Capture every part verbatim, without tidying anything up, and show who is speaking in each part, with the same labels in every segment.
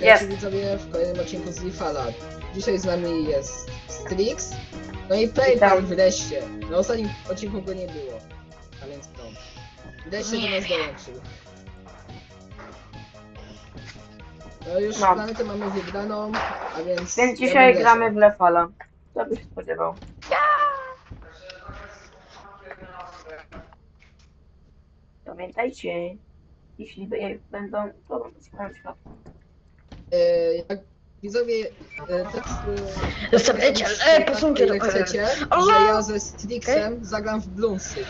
Speaker 1: Witajcie
Speaker 2: Jest.
Speaker 1: widzowie w kolejnym odcinku z Lifala. Dzisiaj z nami jest Strix, no i Playpal wreszcie. Na ostatnim odcinku go nie było, a więc to. Wreszcie do nas dołączył. No już
Speaker 2: No.
Speaker 1: planetę mamy wybraną, a więc...
Speaker 2: Więc
Speaker 1: ja
Speaker 2: dzisiaj
Speaker 1: bym
Speaker 2: gramy
Speaker 1: leciał.
Speaker 2: w Lefala. Co byś się spodziewał? Pamiętajcie, jeśli by- będą, to będą szukać świat.
Speaker 1: E, jak widzowie, e, tak... E,
Speaker 3: Zostawiajcie,
Speaker 1: tak,
Speaker 3: ej,
Speaker 1: tak,
Speaker 3: posuńcie
Speaker 1: o ile
Speaker 3: to-
Speaker 1: chcecie,
Speaker 3: Allah!
Speaker 1: że ja ze Strixem zagram w Bloomsy.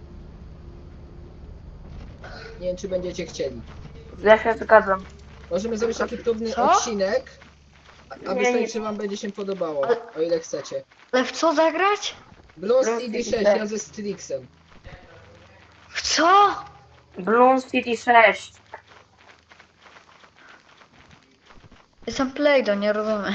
Speaker 1: Nie wiem, czy będziecie chcieli.
Speaker 2: Ja się zgadzam.
Speaker 1: Możemy zrobić taki próbny
Speaker 3: Co?
Speaker 1: odcinek, a- a
Speaker 2: Nie,
Speaker 1: wysłać,
Speaker 2: nie.
Speaker 1: czy wam będzie się podobało,
Speaker 3: Ale-
Speaker 1: o ile chcecie.
Speaker 3: Ale w co zagrać?
Speaker 1: Blues
Speaker 2: Blues
Speaker 1: City
Speaker 2: City
Speaker 1: sześć,
Speaker 2: sześć.
Speaker 1: ja ze Strixem.
Speaker 3: W co?
Speaker 2: Bloom City sześć.
Speaker 3: Jestem Playdo, nie rozumiem.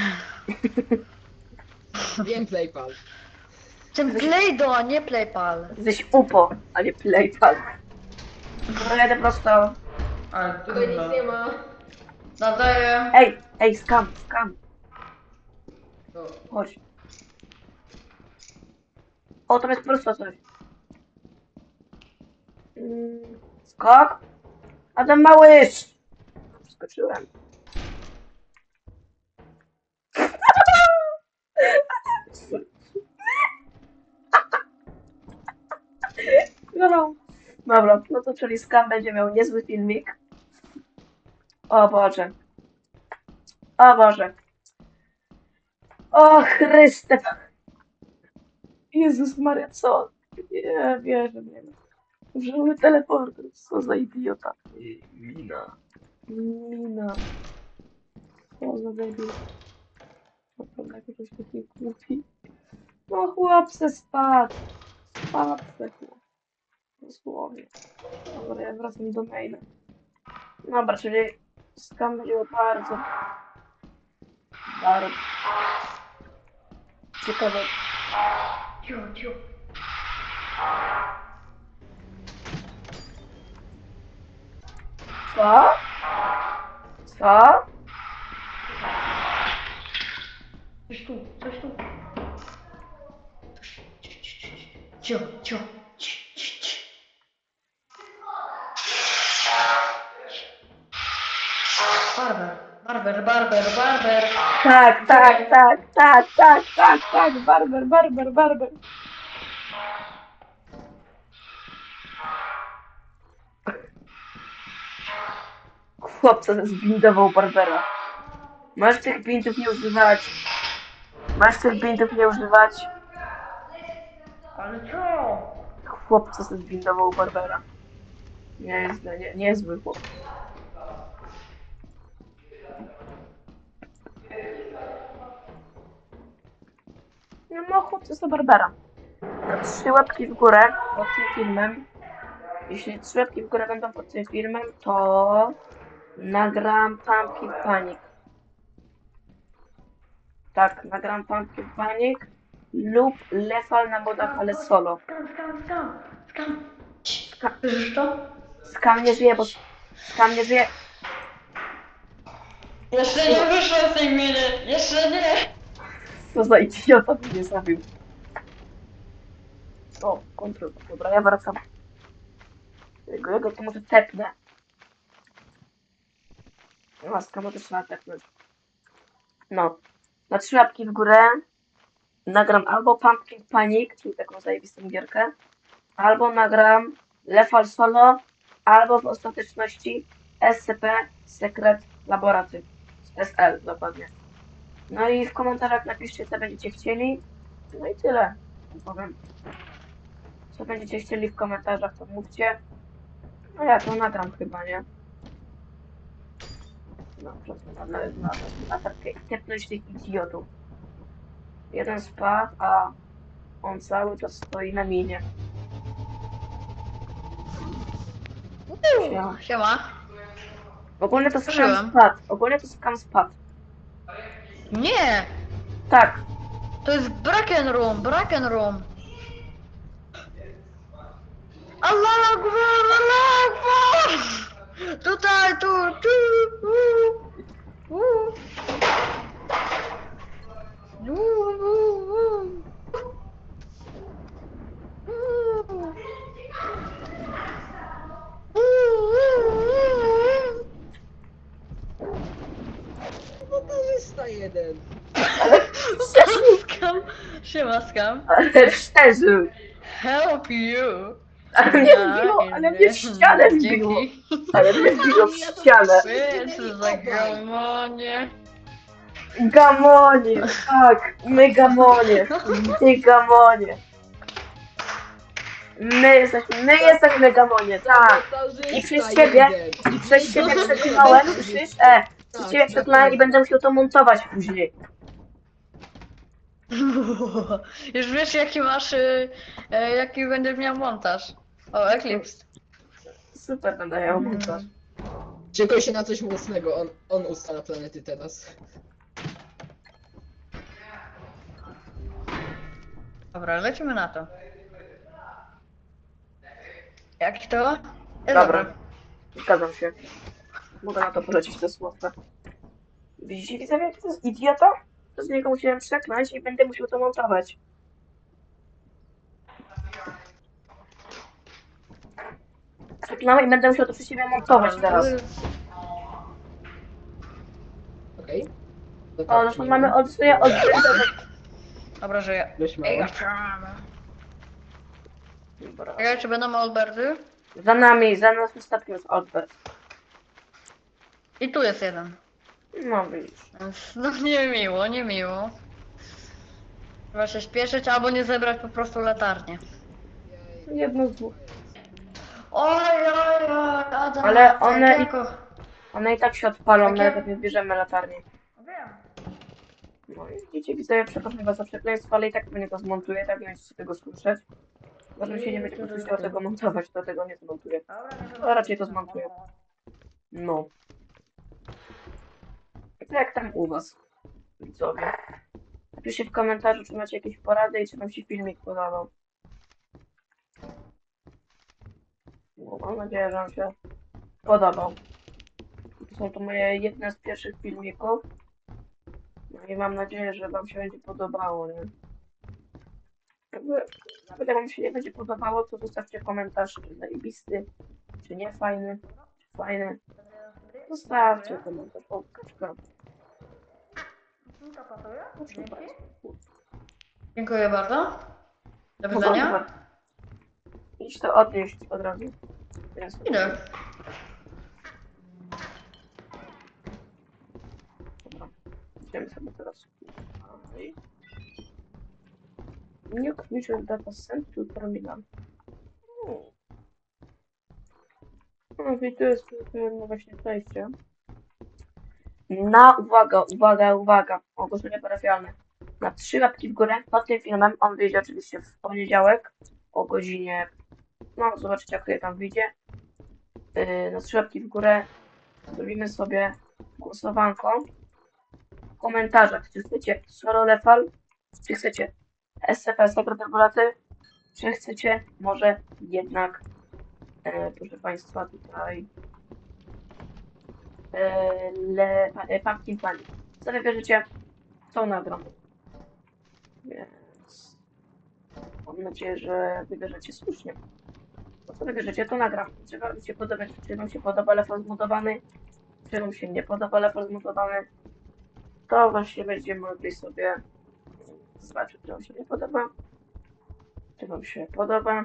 Speaker 1: Wiem Playpal.
Speaker 3: Jestem Playdo, a nie Playpal.
Speaker 2: Jesteś upo, a nie playpal. No jadę prosto.
Speaker 1: Tutaj nic nie ma.
Speaker 3: Nadaję.
Speaker 2: Ej, ej, skam, skam.
Speaker 1: No,
Speaker 2: Chodź. O, tam jest prosto coś. Mm, Skok. A ten małyż. Skoczyłem. No, dobra, no to czyli Skam będzie miał niezły filmik. O Boże. O Boże. O Chryste. Jezus Maria, co? Nie wierzę, nie wiem. Użyły teleporter, co za idiota.
Speaker 4: Mina.
Speaker 2: Mina. Co za debil. Naprawdę jakiś taki głupi. No chłop se spadł. Spadł se chłop. Dosłownie. Dobra, ja wracam do maila. Dobra, czyli Skam będzie bardzo... Bardzo... Ciekawe.
Speaker 3: Ciu, ciu.
Speaker 2: Co? Co?
Speaker 3: Coś tu, coś tu. Ciu, ciu. Ci, ci, ci. Barber, barber, barber, barber.
Speaker 2: Tak, tak, tak, tak, tak, tak, tak, barber, barber, barber. Chłopca zbindował barbera. Masz tych bindów nie używać. Masz tych bindów nie używać.
Speaker 3: Ale co?
Speaker 2: Chłopca zbindował barbera. Nie jest, nie, nie jest zły chłop. No, no chłopca za barbera. To trzy łapki w górę pod tym filmem. Jeśli trzy łapki w górę będą pod tym filmem, to nagram Pumpkin Panic. Tak, nagram Pumpkin Panic lub Lefal na modach, ale solo.
Speaker 3: Skam, skam, skam, skam.
Speaker 2: Ska-
Speaker 3: Słyszysz to?
Speaker 2: Skam nie żyje, bo Skam nie żyje.
Speaker 3: Jeszcze nie wyszło z tej miny, jeszcze nie.
Speaker 2: Co za idiota mnie zabił. O, kontrol. Dobra, ja wracam. Jego, jego to może tepnę. No, Skama też trzeba tepnąć. No. Na trzy łapki w górę nagram albo Pumpkin Panic, czyli taką zajebistą gierkę, albo nagram Lefal Solo, albo w ostateczności S C P Secret Laboratory. S L dokładnie. No i w komentarzach napiszcie, co będziecie chcieli. No i tyle. Powiem. Co będziecie chcieli w komentarzach, to mówcie. No ja to nagram chyba, nie? No, na, na, na, na takie tepnąć tych idiotów. Jeden spadł, a on cały czas stoi na minie. Siema.
Speaker 3: Siema.
Speaker 2: Ogólnie to skam
Speaker 3: Słyszałem.
Speaker 2: spadł. Ogólnie to skam spadł.
Speaker 3: Nie,
Speaker 2: Tak.
Speaker 3: to jest Bracken Room, Bracken Room. Allah Akbar, Allah Akbar. Tutaj, tu, tu, tu. Uuu. Uuu, uuu, uuu. Uuu. Uuu.
Speaker 1: Montażysta jeden.
Speaker 2: Ale przeżył!
Speaker 3: Skam. Siema, skam.
Speaker 2: Ale przeżył!
Speaker 3: Help you.
Speaker 2: Ale mnie wbiło, ale mnie w ścianę wbiło!
Speaker 3: Dzięki.
Speaker 2: Ale mnie wbiło w ścianę!
Speaker 3: Więc za gamonie.
Speaker 2: Gamonie! Tak! My gamonie! My gamonie! My jesteśmy, my jesteśmy gamonie, tak!
Speaker 1: Montażysta
Speaker 2: I przez ciebie,
Speaker 1: jeden.
Speaker 2: i przez ciebie przeklnąłem, słyszysz? E! Przez ciebie przeklnąłem i będę musiał to montować później.
Speaker 3: Już wiesz jaki masz, y, e, jaki będziesz miał montaż. O, Eclipse.
Speaker 2: Super będę miał montaż.
Speaker 1: Czekaj się na coś mocnego, on, on ustala planety teraz.
Speaker 3: Dobra, lecimy na to. Jak to? E,
Speaker 2: Dobra. Zgadzam się. Mogę na to polecić te słówka. Widzicie, widzowie, jaki to jest idiota? To z niego musiałem przekląć i będę musiał to montować. Przeklnąłem i będę musiał to przy siebie montować teraz.
Speaker 1: Okej? To
Speaker 2: O,
Speaker 1: tak,
Speaker 2: zresztą
Speaker 1: nie
Speaker 2: mamy
Speaker 1: wiem.
Speaker 2: od swoje od...
Speaker 3: Dobra, że ja.
Speaker 1: Dość mało.
Speaker 3: Ej,
Speaker 2: Dobra.
Speaker 3: Czekaj, czy będą Alberty?
Speaker 2: Za nami, za nas ostatnim jest Albert.
Speaker 3: I tu jest jeden.
Speaker 2: No widzisz.
Speaker 3: Więc, no niemiło, niemiło. Trzeba się śpieszyć albo nie zebrać po prostu latarnię.
Speaker 2: Jedno z dwóch.
Speaker 3: Oj, oj, oj, Adam.
Speaker 2: Ale one i-
Speaker 3: Jakiego?
Speaker 2: One i tak się odpalą,
Speaker 3: Takie-
Speaker 2: nawet jak nie bierzemy latarni.
Speaker 3: Wiem.
Speaker 2: No i widzicie, widzowie, przepraszam was za przekleństwo, ale i tak pewnie to zmontuję, tak nie będziecie tego słyszeć. Może się nie będzie musiał tego montować, to tego nie zmontuję.
Speaker 3: Dobra,
Speaker 2: raczej to zmontuję. No. To jak tam u was, widzowie? Napiszcie w komentarzu, czy macie jakieś porady i czy wam się filmik podobał. No, mam nadzieję, że wam się podobał. To są to moje jedne z pierwszych filmików. No i mam nadzieję, że wam się będzie podobało, nie? Jakby, nawet jak wam się nie będzie podobało, to zostawcie komentarz, czy zajebisty, czy nie fajny, czy fajny. Zostawcie komentarz, o, kaczka. Proszę bardzo.
Speaker 3: Dziękuję bardzo. Do
Speaker 2: No
Speaker 3: widzenia.
Speaker 2: dobra. Idź to odnieść od razu. Jest.
Speaker 3: Idę.
Speaker 2: Dobra. Idziemy sobie teraz. Dalej. New creature data sent to terminal. Hmm. No i tu jest no właśnie przejście. Na uwaga, uwaga, uwaga. Ogłoszenie parafialne. Na trzy łapki w górę pod tym filmem. On wyjdzie oczywiście w poniedziałek o godzinie. No, zobaczycie, jak tutaj tam wyjdzie. Yy, na trzy łapki w górę zrobimy sobie głosowanko w komentarzach, czy chcecie solo lefal, czy chcecie S C P Sekretariaty, czy chcecie może jednak, e, proszę Państwa, tutaj e, le, e, Pumpkin Panic. Co wybierzecie, to nagram. Więc mam nadzieję, że wybierzecie słusznie. To co wybierzecie, to nagram. Czy wam się podoba, czy wam się podoba lefal zmutowany, czy wam się nie podoba lefal zmutowany, to właśnie będziemy mogli sobie zobaczyć, czy wam się nie podoba, czy wam się podoba.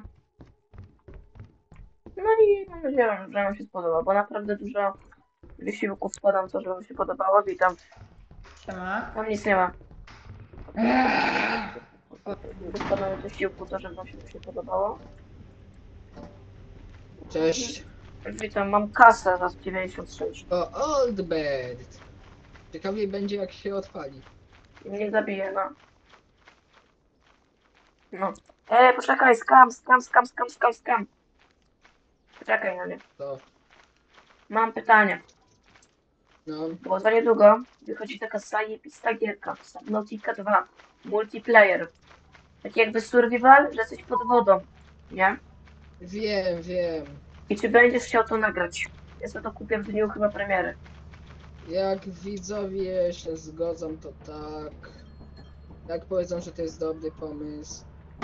Speaker 2: No i mam nadzieję, że wam się spodoba, bo naprawdę dużo wysiłków wkładam w to, żeby wam się podobało. Witam.
Speaker 3: Siema.
Speaker 2: Tam nic nie ma. Wykładam wysiłku to, żeby wam się to się podobało.
Speaker 1: Cześć.
Speaker 2: Witam, mam kasę za dziewięćdziesiąt sześć.
Speaker 1: To Old Bird. Ciekawiej będzie jak się odpali.
Speaker 2: Nie zabiję, no. No. Ej, poczekaj, skam, skam, skam, skam, skam, skam. Poczekaj na mnie.
Speaker 1: To,
Speaker 2: Mam pytanie.
Speaker 1: no.
Speaker 2: Bo za niedługo wychodzi taka zajebista gierka. Subnautica dwa. Multiplayer. Taki jakby survival, że jesteś pod wodą. Nie?
Speaker 1: Wiem, wiem.
Speaker 2: I czy będziesz chciał to nagrać? Ja sobie to kupię w dniu chyba premiery.
Speaker 1: Jak widzowie się zgodzą, to tak. Jak powiedzą, że to jest dobry pomysł.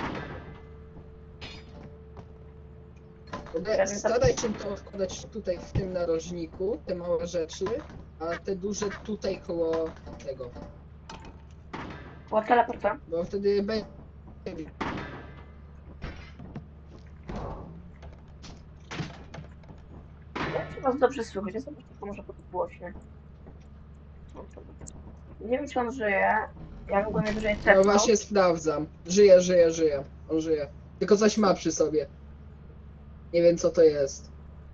Speaker 1: Mogę- Staraj się to wkładać tutaj w tym narożniku, te małe rzeczy, a te duże tutaj koło tego.
Speaker 2: Była teleporta.
Speaker 1: Bo wtedy będzie.
Speaker 2: Jak się was dobrze słychać? Ja sobie tylko może podgłośnie. Nie wiem, czy on żyje. Ja go najwyżej
Speaker 1: No
Speaker 2: tepnął.
Speaker 1: właśnie sprawdzam. Żyje, żyje, żyje. On żyje. Tylko coś ma przy sobie. Nie wiem co to jest.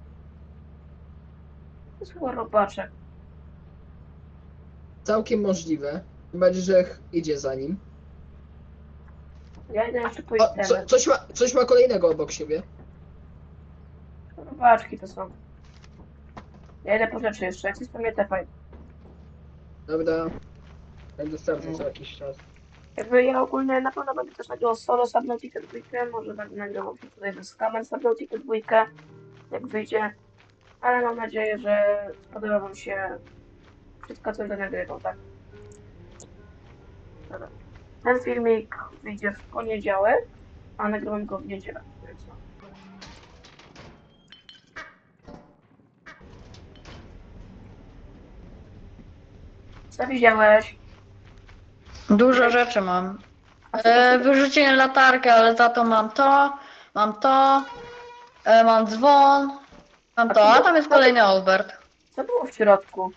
Speaker 2: To jest chyba robaczek.
Speaker 1: Całkiem możliwe. Tym bardziej, że ch- idzie za nim.
Speaker 2: Ja idę jeszcze po
Speaker 1: O, co,
Speaker 2: itemy.
Speaker 1: coś, ma, coś ma kolejnego obok siebie.
Speaker 2: Robaczki to są. Ja idę po rzeczy jeszcze. Jak coś to mnie tepaj.
Speaker 1: Dobra. Będę sprawdzał co jakiś czas.
Speaker 2: Jakby ja ogólnie na pewno będę też nagrywał solo Subnautica dwa, może będę nagrywał się tutaj ze Scammem Subnautica dwa, jak wyjdzie. Ale mam nadzieję, że spodoba wam się wszystko, co będę nagrywał, tak? Dobra. Ten filmik wyjdzie w poniedziałek, a nagrywam go w niedzielę, więc no. Co widziałeś?
Speaker 3: Dużo rzeczy mam. E, wyrzuciłem latarkę, ale za to mam to, mam to, e, mam dzwon, mam to, a tam jest kolejny Albert.
Speaker 2: Co było w środku?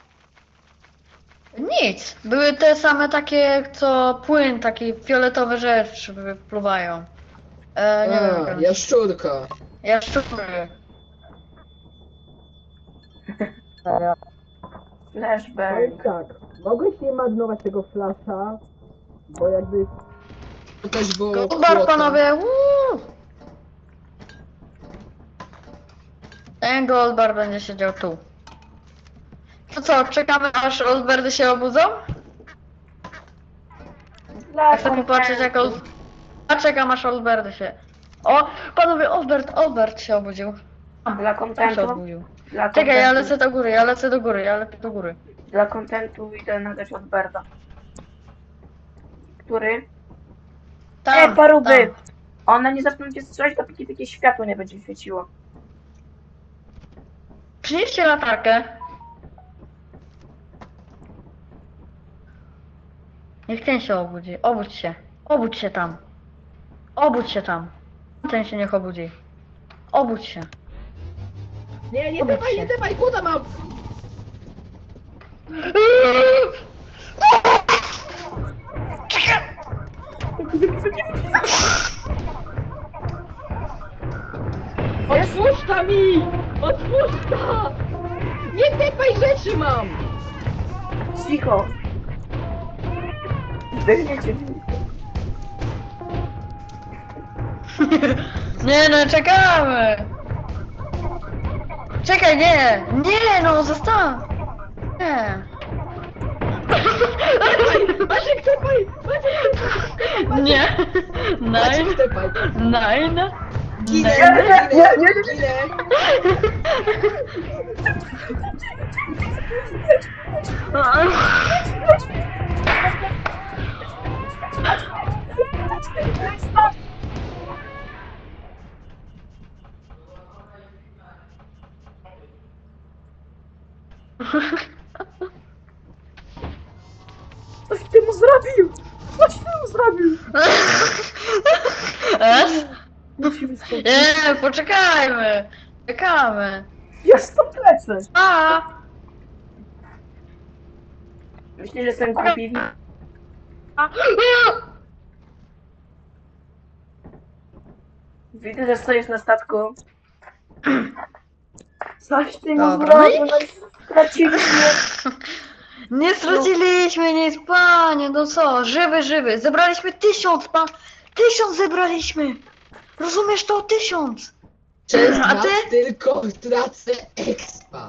Speaker 3: Nic. Były te same takie, co płyn, takie fioletowe rzeczy wypływają. E, nie wiem, jak
Speaker 1: A,
Speaker 3: one się-
Speaker 1: jaszczurka.
Speaker 3: Jaszczury.
Speaker 2: Flashbang.
Speaker 1: Powiem tak, mogłeś nie marnować tego flasza, bo jakby to też było
Speaker 3: Goldbar,
Speaker 1: kłota.
Speaker 3: panowie! Uuu! Ten Goldbar będzie siedział tu. To co, czekamy aż Olberdy się obudzą?
Speaker 2: Dla
Speaker 3: Chcę popatrzeć jak Ol... A czekam aż Olberdy się... O! Panowie, Olbert, Olbert się obudził.
Speaker 2: Dla
Speaker 3: Tam się
Speaker 2: kontentu.
Speaker 3: obudził.
Speaker 2: Dla
Speaker 3: Czekaj, ja
Speaker 2: kontentu.
Speaker 3: lecę do góry, ja lecę do góry, ja lecę do góry.
Speaker 2: Dla kontentu idę nagrać od Berda. Który?
Speaker 3: Tam,
Speaker 2: Ej, paruby!
Speaker 3: tam.
Speaker 2: One nie zaczną cię strzelać, dopóki takie światło nie będzie świeciło.
Speaker 3: Przynieście latarkę. Niech ten się obudzi. Obudź się. Obudź się tam. Obudź się tam. Ten się niech obudzi. Obudź się.
Speaker 1: Nie, nie
Speaker 3: Obudź
Speaker 1: dawaj,
Speaker 3: się.
Speaker 1: nie dawaj, kłoda mam! Otwórz ta mi! Otwórz ta! Nie tepaj rzeczy mam!
Speaker 2: Cicho! Zdechniecie.
Speaker 3: Nie no, czekamy! Czekaj, nie! Nie no, zostaw! Nie!
Speaker 1: Maciek, tepaj! Maciek,
Speaker 3: Nie! Nine!
Speaker 1: Maciek, tepaj!
Speaker 3: Nine!
Speaker 1: Ginę,
Speaker 3: Nine!
Speaker 1: ginę, ginę!
Speaker 2: Coś ty mu zrobił! Coś ty mu zrobił!
Speaker 3: S?
Speaker 2: Musimy stąd.
Speaker 3: Nie, poczekajmy! Czekamy!
Speaker 2: Ja stąd lecę!
Speaker 3: A!
Speaker 2: Myślisz, że jestem głupi? Widzę, że stoisz na statku. Coś ty mu
Speaker 3: Dobra,
Speaker 2: zrobił,
Speaker 3: no
Speaker 2: no i straciliśmy.
Speaker 3: Nie straciliśmy nic, panie, no co? Żywy, żywy. Zebraliśmy tysiąc, pan. Tysiąc zebraliśmy. Rozumiesz to? Tysiąc.
Speaker 1: Przez
Speaker 3: A
Speaker 1: nas
Speaker 3: ty?
Speaker 1: tylko tracę expa.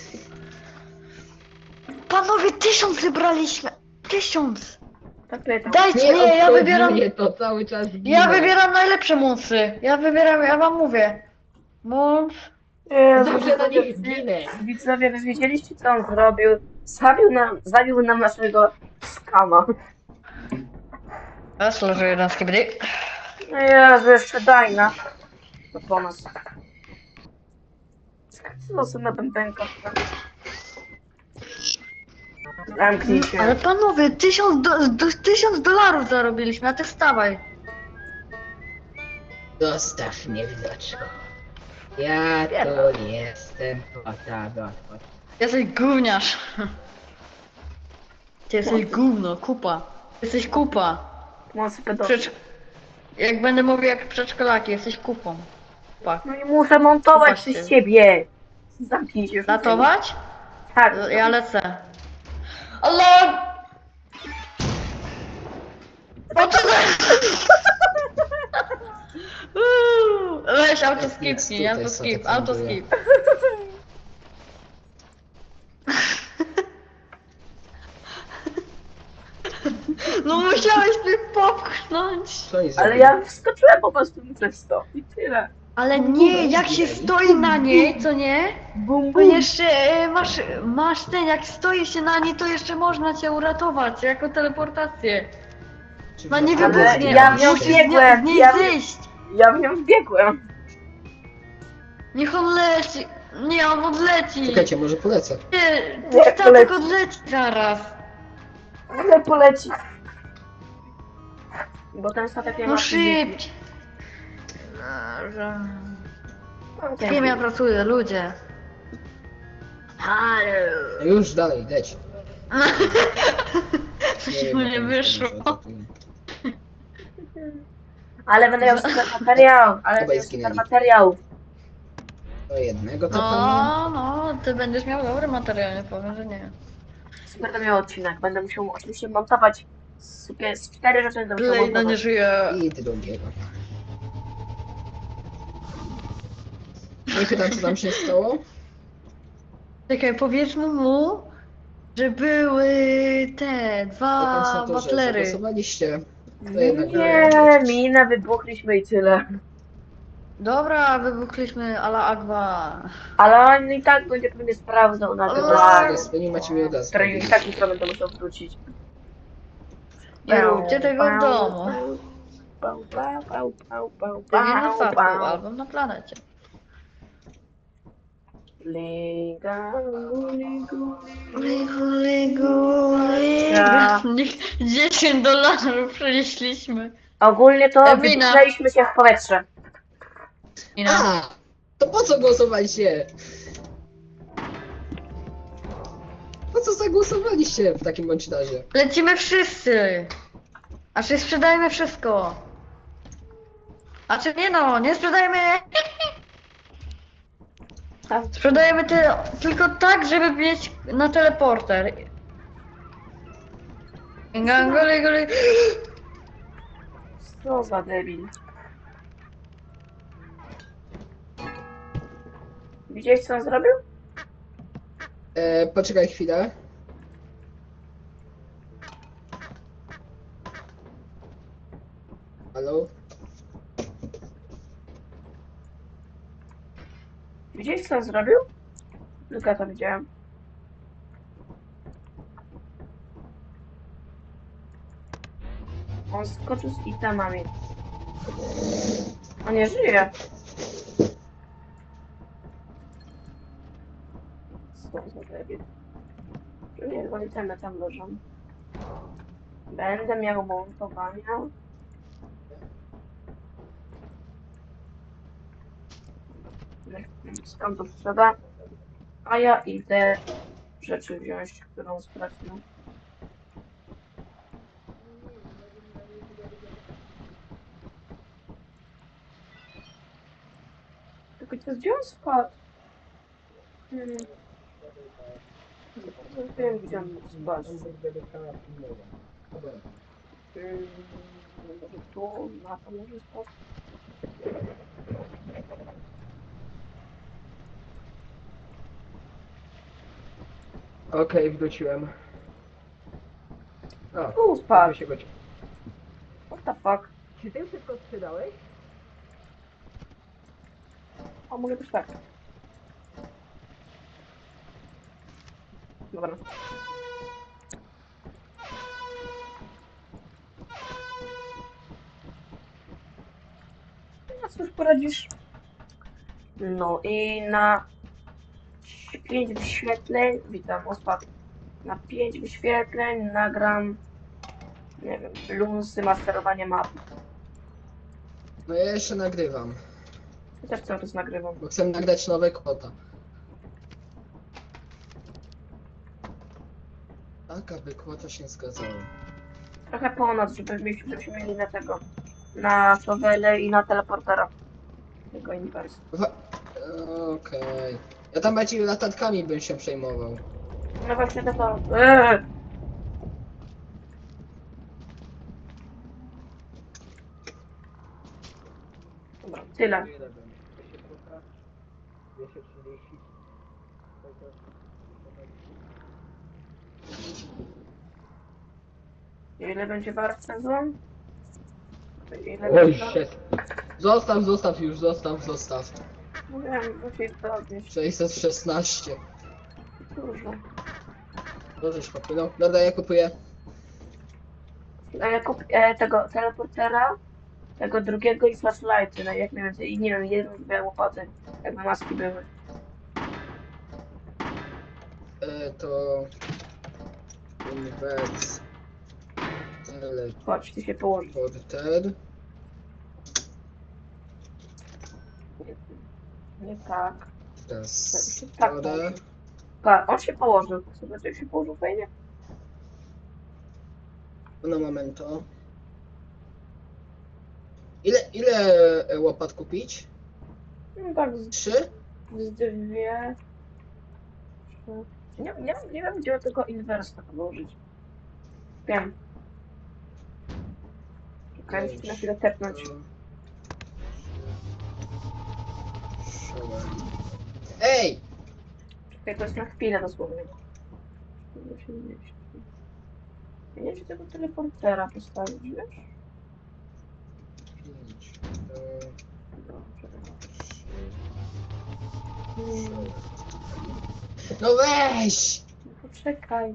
Speaker 3: Panowie, tysiąc zebraliśmy. Tysiąc.
Speaker 2: Tak pytam.
Speaker 3: Dajcie, nie, ja
Speaker 1: obchodzi
Speaker 3: wybieram.
Speaker 1: mnie to cały czas ginę.
Speaker 3: Ja wybieram najlepsze mocy. Ja wybieram, ja wam mówię. Moc.
Speaker 2: Jezu,
Speaker 1: Dobrze na
Speaker 2: widzowie,
Speaker 1: nich ginę.
Speaker 2: widzowie, wy wiedzieliście co on zrobił? Zabił nam, zabił nam naszego skama.
Speaker 3: Raz leży jeden z kibry.
Speaker 2: No Jezu, jeszcze Dajna. To po nas. Co są na bębenka? Zamknij się.
Speaker 3: Ale panowie, tysiąc, do, do, tysiąc dolarów zarobiliśmy, a ty wstawaj.
Speaker 1: Zostaw mnie, widoczku. Ja to jestem potaba.
Speaker 3: Jesteś gówniarz. Ty jesteś gówno, kupa. Jesteś kupa.
Speaker 2: Mocy pedofil.
Speaker 3: Przedsz... Jak będę mówił jak przedszkolaki, jesteś kupą. Kupa.
Speaker 2: No i muszę montować
Speaker 3: Popatrzcie.
Speaker 2: przez ciebie. Zamknij się już.
Speaker 3: Latować?
Speaker 2: Tak.
Speaker 3: Ja lecę. Ale... O co to? Uuu, weź autoskipnij,
Speaker 1: Tutaj
Speaker 3: autoskip,
Speaker 1: sobie
Speaker 3: autoskip. No musiałeś mnie popchnąć.
Speaker 1: Co oni
Speaker 2: Ale
Speaker 1: zrobili?
Speaker 2: ja wskoczyłem po prostu przez to. I tyle.
Speaker 3: Ale nie, jak się stoi na niej, co nie?
Speaker 2: Bum,
Speaker 3: To
Speaker 2: bum.
Speaker 3: jeszcze e, masz, masz ten, jak stoi się na niej, to jeszcze można cię uratować, jako teleportację.
Speaker 1: Czy
Speaker 3: No nie
Speaker 1: wy-
Speaker 2: Ale
Speaker 3: wybuchnie,
Speaker 2: ja w nią
Speaker 3: musisz z, nią-
Speaker 2: biegłem,
Speaker 3: z niej
Speaker 2: ja w-
Speaker 3: zejść.
Speaker 2: Ja w nią wbiegłem.
Speaker 3: Niech on leci. Nie, on odleci.
Speaker 1: Czekajcie, może polecę.
Speaker 3: Nie,
Speaker 2: Nie,
Speaker 3: ten statek
Speaker 2: poleci.
Speaker 3: odleci zaraz.
Speaker 2: Ale poleci. Bo ten statek nie ma
Speaker 3: No
Speaker 2: fizyki.
Speaker 3: szybciej. Dobrze.
Speaker 2: Mam
Speaker 3: Z kim ja pracuję, ludzie? Halo.
Speaker 1: No już dalej, leć.
Speaker 3: Coś
Speaker 1: wiem,
Speaker 3: mu
Speaker 1: jak
Speaker 3: nie
Speaker 1: oni
Speaker 3: wyszło.
Speaker 1: się atakują.
Speaker 2: Ale będę miał super materiał. Ale
Speaker 1: Obaj
Speaker 2: będę miał super
Speaker 1: zginęli.
Speaker 2: materiał.
Speaker 1: Do jednego to pewnie.
Speaker 3: No, no, ty będziesz miał dobry materiał, nie powiem, że nie.
Speaker 2: Super będę miał odcinek. Będę musiał oczywiście montować super, z cztery rzeczy będę musiał
Speaker 3: Blade no nie
Speaker 2: montować.
Speaker 3: żyje.
Speaker 1: I drugiego. Nie pytam, co tam się stało.
Speaker 3: Czekaj, powiedzmy mu, że były te dwa
Speaker 1: Powiedz na to, że
Speaker 3: butlery.
Speaker 1: zagłosowaliście. To jednak
Speaker 2: Nie,
Speaker 1: nie.
Speaker 2: minę wybuchliśmy i tyle.
Speaker 3: Dobra, wybuchliśmy ala Agwa.
Speaker 2: Ale on i tak będzie pewnie sprawdzał na
Speaker 3: Ale-
Speaker 2: grę.
Speaker 1: Wy nie macie mi od
Speaker 2: Który i tak jutro będę musiał wrócić.
Speaker 3: Nie róbcie tego w domu.
Speaker 2: Pał, pał, pał, pał, pał,
Speaker 3: Pewnie na
Speaker 2: pał,
Speaker 3: statku
Speaker 2: pał.
Speaker 3: albo na planecie.
Speaker 2: Liga, ligu,
Speaker 3: Ligu, ligu,
Speaker 2: Ja.
Speaker 3: ligu. dziesięć dolarów przenieśliśmy.
Speaker 2: Ogólnie to
Speaker 3: Ewina.
Speaker 2: wypchnęliśmy się w powietrze.
Speaker 3: I na...
Speaker 1: A! To po co głosowaliście? Po co zagłosowaliście w takim bądź razie?
Speaker 3: Lecimy wszyscy. A czy sprzedajemy wszystko? A czy nie no, nie sprzedajemy. Sprzedajemy ty, tylko tak, żeby mieć na teleporter. Gangoli, goli.
Speaker 2: Co za debil. Widziałeś co on zrobił?
Speaker 1: E, poczekaj chwilę. Halo?
Speaker 2: Widziałeś co on zrobił? Tylko ja to widziałem. On skoczył z itemami. On nie żyje. Co za debil. Nie, bo itemy tam leżą. Będę miał montowania. Skąd to sprzeda? A ja idę rzeczy wziąć, którą sprawdzę. Tylko co, gdzie on spadł? Hmm. Nie wiem, gdzie on mógł spać. Hmm. Może tu, na to może spać.
Speaker 1: Okej, wróciłem. O,
Speaker 2: Tu spadł.
Speaker 1: się godzi.
Speaker 2: What the fuck?
Speaker 1: Czy ty wszystko sprzedałeś?
Speaker 2: O, mogę też tak. dobra. No cóż poradzisz? No i na pięć wyświetleń, witam, ospadł. Na pięć wyświetleń nagram, nie wiem, bluesy, masterowanie map.
Speaker 1: No ja jeszcze nagrywam,
Speaker 2: Ja też cały czas nagrywam.
Speaker 1: bo chcę nagrać nowe kota. Tak, aby kłota się zgadzało.
Speaker 2: Trochę ponad, żeby mieć, żebyśmy mieli na tego, na szowele i na teleportera. Tego inwers.
Speaker 1: Wa- Okej. Ja tam bardziej latatkami bym się przejmował.
Speaker 2: No właśnie to to. Eee! Dobra, tyle. Ile będzie wart sezon? Ile
Speaker 1: Oj,
Speaker 2: będzie wart?
Speaker 1: shit. Zostaw, zostaw już, zostaw, zostaw.
Speaker 2: No wiem, musisz to odnieść.
Speaker 1: sześćset szesnaście.
Speaker 2: Dużo.
Speaker 1: Możesz kupić. No, dobra, ja kupuję.
Speaker 2: E, kup e, tego teleportera, tego drugiego i flashlighty, no jak najwięcej. I nie wiem, jedną dwie łopaty, jakby maski były.
Speaker 1: E, to... Inwers...
Speaker 2: Chodź, ty się położysz.
Speaker 1: Teleporter.
Speaker 2: Nie, nie tak.
Speaker 1: Teraz...
Speaker 2: Tak,
Speaker 1: Woda.
Speaker 2: Tak, on się położył. Zobaczcie, jak się położył fajnie.
Speaker 1: No momento. Ile, ile e, łopat kupić?
Speaker 2: No tak, z,
Speaker 1: Trzy?
Speaker 2: z dwie... trzy. Nie, nie, nie wiem, gdzie tego inwersa położyć. Wiem. Czekaj, muszę na chwilę tepnąć.
Speaker 1: Ej!
Speaker 2: Czekaj, to jest na chwilę dosłownie. Muszę mieć. Ja nie wiem, czy tego teleportera postawić, wiesz?
Speaker 1: Pięć,
Speaker 2: Dobrze.
Speaker 1: No weź!
Speaker 2: No poczekaj.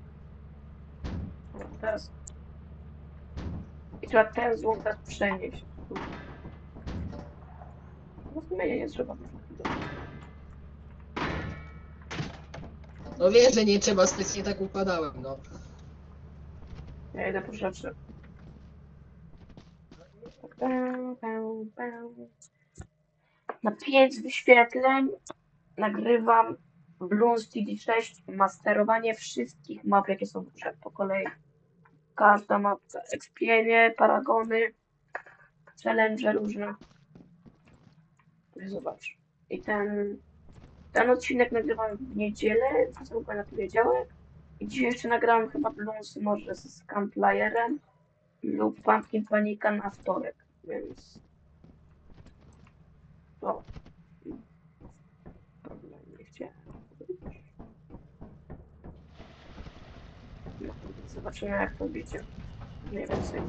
Speaker 2: O, teraz. I trzeba ten złom teraz przenieść. No zmienię, nie trzeba.
Speaker 1: No wiesz, że nie trzeba, specjalnie tak układałem, no.
Speaker 2: Ja idę po rzeczy. Pę, pę, pę. Na pięć wyświetleń nagrywam Bloons T D sześć, masterowanie wszystkich map, jakie są w grze po kolei. Każda mapka, Expienie, Paragony, challenge różne. Zobacz. I ten, ten odcinek nagrywam w niedzielę, co na poniedziałek. I dzisiaj jeszcze nagrałem chyba Bloons może z Scamplayerem lub Pumpkin Panika na wtorek, więc... O. Dobra, nie chciałem. No, zobaczymy jak to będzie. Mniej więcej.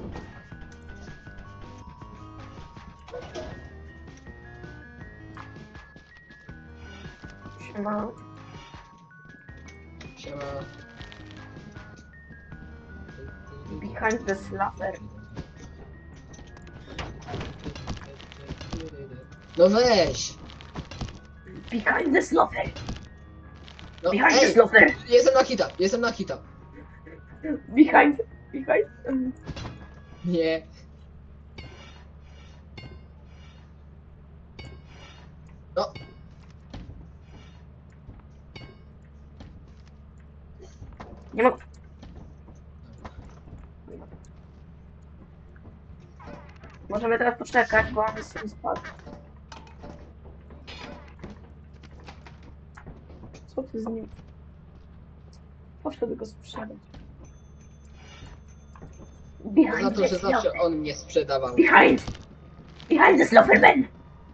Speaker 2: Siema.
Speaker 1: Siema.
Speaker 2: Behind the slapper.
Speaker 1: No weź!
Speaker 2: Behind the slapper.
Speaker 1: No,
Speaker 2: Behind the
Speaker 1: ej!
Speaker 2: slapper.
Speaker 1: Jestem na hita, jestem na hita.
Speaker 2: Behind. Behind. um,
Speaker 1: Nie. No.
Speaker 2: Nie mogę. Możemy teraz poczekać, bo on jest spadł. Co ty z nim? Poszedł go sprzedać.
Speaker 1: Za
Speaker 2: Behind
Speaker 1: to,
Speaker 2: the
Speaker 1: że zawsze
Speaker 2: slaughter.
Speaker 1: on mnie sprzedawał.
Speaker 2: Behind! Behind the slaughterman!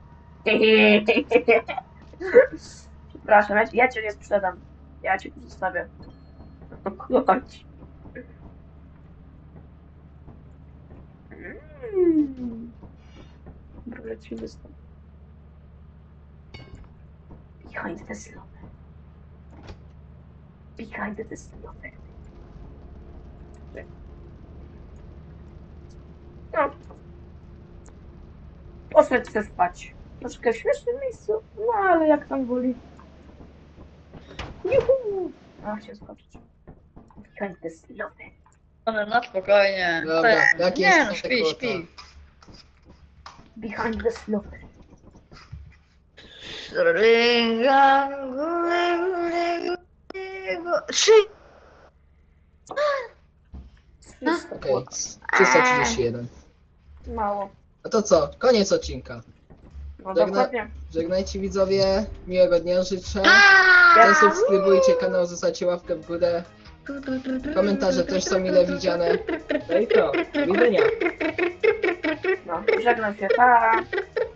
Speaker 2: Przepraszam, ja, ja cię nie sprzedam. Ja cię tu zostawię. Chodź. Mm. Dobra, lecimy stąd. Behind the slaughter. Behind the slotek. No. Poszedł się spać. Troszkę w śmiesznym miejscu, no ale jak tam woli. Juhu! A, chciał skoczyć. Behind the slotek.
Speaker 3: Ale na spokojnie.
Speaker 1: Dobra,
Speaker 3: To-
Speaker 1: jaki
Speaker 3: Nie
Speaker 1: jest
Speaker 3: no,
Speaker 1: efekt
Speaker 3: śpi,
Speaker 1: kota?
Speaker 3: śpi.
Speaker 2: Behind the slotek.
Speaker 3: Ringa, góry, góry, góry, góry. Trzy.
Speaker 2: trzysta
Speaker 1: Okej,
Speaker 2: złota.
Speaker 1: trzysta trzydzieści jeden.
Speaker 2: Mało.
Speaker 1: A to co? Koniec odcinka.
Speaker 2: No
Speaker 1: Żegna-
Speaker 2: dokładnie.
Speaker 1: Żegnajcie widzowie, miłego dnia życzę.
Speaker 2: Ja-
Speaker 1: Zasubskrybujcie kanał, zostawcie łapkę w górę. Komentarze też są mile widziane. No i co? Do widzenia.
Speaker 2: No, żegnam się. Pa!